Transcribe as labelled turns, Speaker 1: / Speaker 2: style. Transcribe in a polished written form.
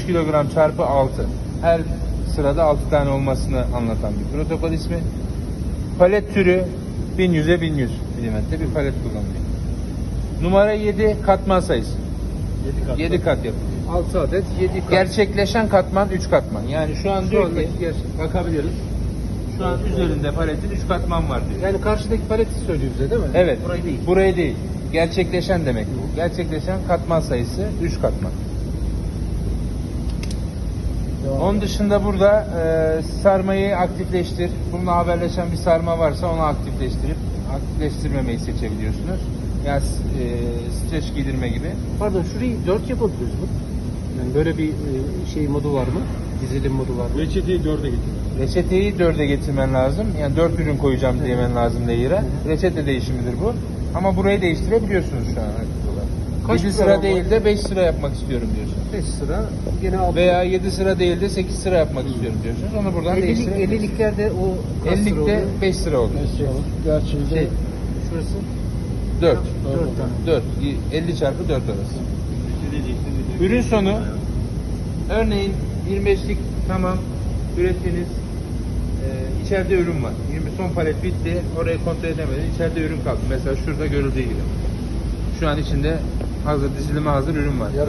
Speaker 1: 3 kilogram çarpı 6. Her sırada 6 tane olmasını anlatan bir protokol ismi. Palet türü 1100'e 1100 milimetre bir palet kullanılıyor. Numara 7 katman sayısı. 7 kat yapılıyor.
Speaker 2: 6 adet 7 kat.
Speaker 1: Gerçekleşen katman 3 katman. Yani şu an diyor ki
Speaker 2: andaki gerçek.
Speaker 1: bakabiliriz. Şu an üzerinde paletin 3 katman var diyor.
Speaker 2: Yani karşıdaki paleti söylüyor bize değil mi?
Speaker 1: Evet.
Speaker 2: Burayı değil.
Speaker 1: Burayı değil. Gerçekleşen demek bu. Gerçekleşen katman sayısı 3 katman. Onun dışında burada sarmayı aktifleştir. Bununla haberleşen bir sarma varsa onu aktifleştirmemeyi seçebiliyorsunuz. Yani streç giydirme gibi.
Speaker 2: Pardon, şurayı 4 yapabiliyoruz mu? Yani böyle bir şey modu var mı? Dizilim modu var mı?
Speaker 3: Reçeteyi 4'e getir.
Speaker 1: Reçeteyi 4'e getirmen lazım. Yani 4 ürün koyacağım demen lazım layer'a. Reçete değişimidir bu. Ama burayı değiştirebiliyorsunuz şu an aktif olarak.
Speaker 2: Kaç
Speaker 1: 7
Speaker 2: program
Speaker 1: sıra değil de 5 sıra yapmak istiyorum diyorsunuz.
Speaker 2: 5 sıra gene 6.
Speaker 1: Veya 7 sıra değil de 8 sıra yapmak istiyorum diyorsunuz. Onu buradan değiştirebilirsiniz.
Speaker 2: 50'liklerde o kaç sıra
Speaker 1: 50'likte
Speaker 2: oluyor?
Speaker 1: 5 sıra oluyor.
Speaker 3: Gerçi
Speaker 2: Şey, şurası
Speaker 1: 4.
Speaker 2: 4 tane.
Speaker 1: 4. 50 çarpı 4 arası. Ürün sonu örneğin 25'lik tamam ürettiniz. İçeride ürün var. 20 son palet bitti. Orayı kontrol edemedin. İçeride ürün kaldı. Mesela şurada görüldüğü gibi. Şu an içinde hazır dizilime hazır ürün var.